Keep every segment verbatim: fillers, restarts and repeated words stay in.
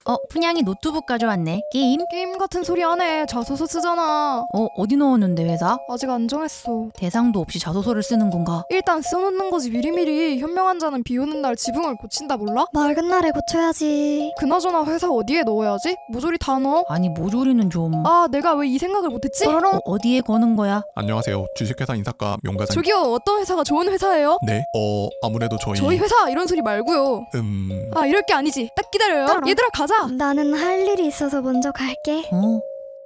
어, 푸냥이 노트북 가져왔네. 게임? 게임 같은 소리 하네. 자소서 쓰잖아. 어, 어디 넣었는데 회사? 아직 안 정했어. 대상도 없이 자소서를 쓰는 건가? 일단 써놓는 거지 미리미리. 현명한 자는 비 오는 날 지붕을 고친다 몰라? 맑은 날에 고쳐야지. 그나저나 회사 어디에 넣어야지? 모조리 다 넣어? 아니 모조리는 좀... 아 내가 왜 이 생각을 못했지? 뽀로롱. 어, 어디에 거는 거야? 안녕하세요. 주식회사 인사과 명과장. 저기요 어떤 회사가 좋은 회사예요? 네, 어 아무래도 저희 저희 회사 이런 소리 말고요. 음 아 이럴 게 아니지. 딱 기다려요. 따로. 얘들아 가자. 나는 할 일이 있어서 먼저 갈게. 어?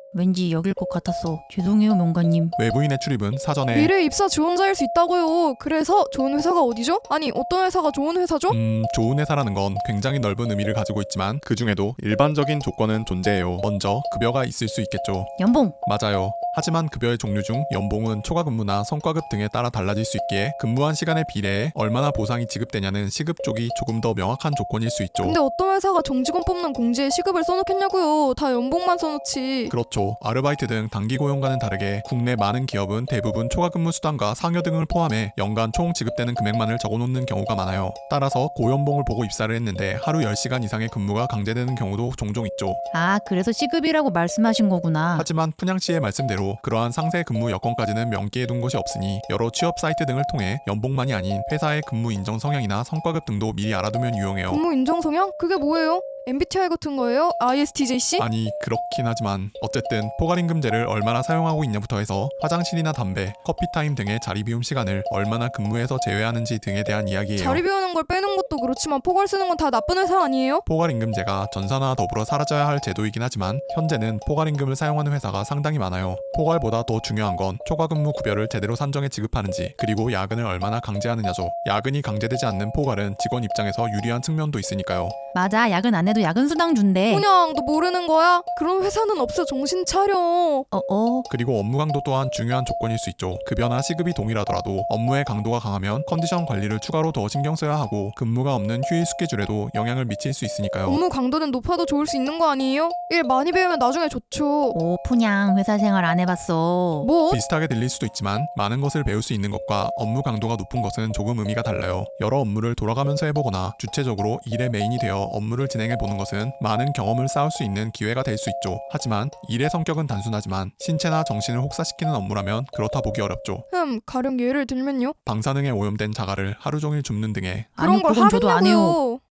왠지 여길 것 같았어. 죄송해요 명가님. 외부인의 출입은 사전에 미래 입사 지원자일 수 있다고요. 그래서 좋은 회사가 어디죠? 아니 어떤 회사가 좋은 회사죠? 음 좋은 회사라는 건 굉장히 넓은 의미를 가지고 있지만 그 중에도 일반적인 조건은 존재해요. 먼저 급여가 있을 수 있겠죠. 연봉! 맞아요. 하지만 급여의 종류 중 연봉은 초과 근무나 성과급 등에 따라 달라질 수 있기에 근무한 시간에 비례해 얼마나 보상이 지급되냐는 시급 쪽이 조금 더 명확한 조건일 수 있죠. 근데 어떤 회사가 정직원 뽑는 공지에 시급을 써놓겠냐고요. 다 연봉만 써놓지. 그렇죠. 아르바이트 등 단기 고용과는 다르게 국내 많은 기업은 대부분 초과 근무 수당과 상여 등을 포함해 연간 총 지급되는 금액만을 적어놓는 경우가 많아요. 따라서 고연봉을 보고 입사를 했는데 하루 열 시간 이상의 근무가 강제되는 경우도 종종 있죠. 아 그래서 시급이라고 말씀하신 거구나. 하지만 푸냥씨의 말씀대로 그러한 상세 근무 여건까지는 명기해 둔 것이 없으니 여러 취업 사이트 등을 통해 연봉만이 아닌 회사의 근무 인정 성향이나 성과급 등도 미리 알아두면 유용해요. 근무 인정 성향? 그게 뭐예요? 엠비티아이 같은 거예요? 아이에스티제이씨? 아니 그렇긴 하지만 어쨌든 포괄임금제를 얼마나 사용하고 있냐부터 해서 화장실이나 담배, 커피타임 등의 자리 비움 시간을 얼마나 근무에서 제외하는지 등에 대한 이야기예요. 자리 비우는 걸 빼는 것도 그렇지만 포괄 쓰는 건 다 나쁜 회사 아니에요? 포괄임금제가 전사나 더불어 사라져야 할 제도이긴 하지만 현재는 포괄임금을 사용하는 회사가 상당히 많아요. 포괄보다 더 중요한 건 초과근무 구별을 제대로 산정해 지급하는지 그리고 야근을 얼마나 강제하느냐죠. 야근이 강제되지 않는 포괄은 직원 입장에서 유리한 측면도 있으니까요. 맞아 야근 안 해도 야근 수당 준대. 그냥 너 모르는 거야? 그런 회사는 없어. 정신 차려. 어어. 그리고 업무 강도 또한 중요한 조건일 수 있죠. 급여나 시급이 동일하더라도 업무의 강도가 강하면 컨디션 관리를 추가로 더 신경 써야 하고 근무가 없는 휴일 스케줄에도 영향을 미칠 수 있으니까요. 업무 강도는 높아도 좋을 수 있는 거 아니에요? 일 많이 배우면 나중에 좋죠. 오 푸냥 회사 생활 안 해봤어. 뭐? 비슷하게 들릴 수도 있지만 많은 것을 배울 수 있는 것과 업무 강도가 높은 것은 조금 의미가 달라요. 여러 업무를 돌아가면서 해보거나 주체적으로 일의 메인이 되어 업무를 진행해보는 것은 많은 경험을 쌓을 수 있는 기회가 될 수 있죠. 하지만 일의 성격은 단순하지만 신체나 정신을 혹사시키는 업무라면 그렇다 보기 어렵죠. 흠, 가령 예를 들면요. 방사능에 오염된 자갈을 하루 종일 줍는 등의 그런 아니 걸 그건 저도 안 해요. 하겠냐고요.